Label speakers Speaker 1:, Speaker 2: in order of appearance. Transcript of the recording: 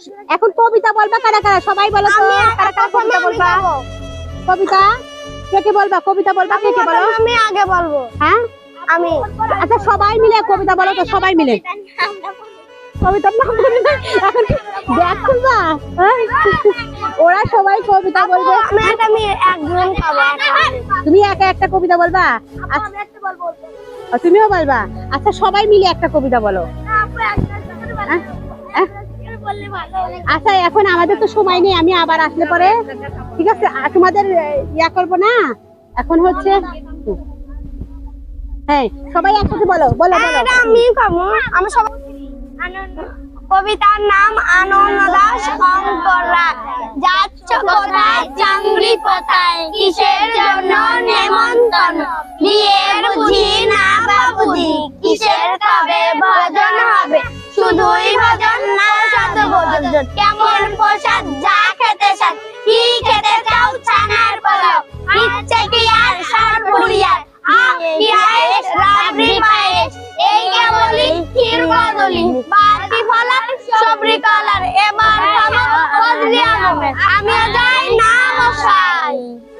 Speaker 1: এখন কবিতা বলবা কারা কারা, সবাই বলো তো কারা কারা কবিতা বলবা। কবিতা কে কে বলবা, কবিতা বলবা কে কে বলো।
Speaker 2: আমি আগে বলবো।
Speaker 1: হ্যাঁ
Speaker 2: আমি।
Speaker 1: আচ্ছা সবাই মিলে কবিতা বলো তো, সবাই মিলে কবিতার নাম বলি না এখন কি ব্যাগ খুলবা। হ্যাঁ? ওরা সবাই কবিতা বলবে,
Speaker 2: আমি একজন খাবো।
Speaker 1: তুমি একা একটা কবিতা বলবা। আচ্ছা, তুমিও বলবা। আচ্ছা সবাই মিলে একটা কবিতা বলো। আচ্ছা এখন আমাদের তো সময় নেই, আমি আবার আসলে পরে ঠিক আছে তোমাদের ইয়া করবো না। এখন হচ্ছে হ্যাঁ সবাই একসাথে বলো বলো বলো।
Speaker 2: আমি খাবো। আমি সবাই। কবিতার নাম আনন্দ দাস অঙ্কর রাগ। যাচ্ছ কোথায় চাংড়ি কোথায়, কিসের জন্য নেমন্তন্ন, বিয়ের বুঝি না বাবুজি, কিসের তবে ভজন হবে, শুধুই ভজন না শত ভোজন, কেমন প্রসাদ যা খেতে সাথ, কি খেতে চাও ছানার পোলাও, ইচ্ছে কি আর সরপুরিয়ার, কি আয়েস রাবড়ি পায়েস, এই কেবলই ক্ষীর কদলি, বাকি ফলার সবরি কলার, এবার খাবো ফজলি আমের, আমিও যাই না মশাই।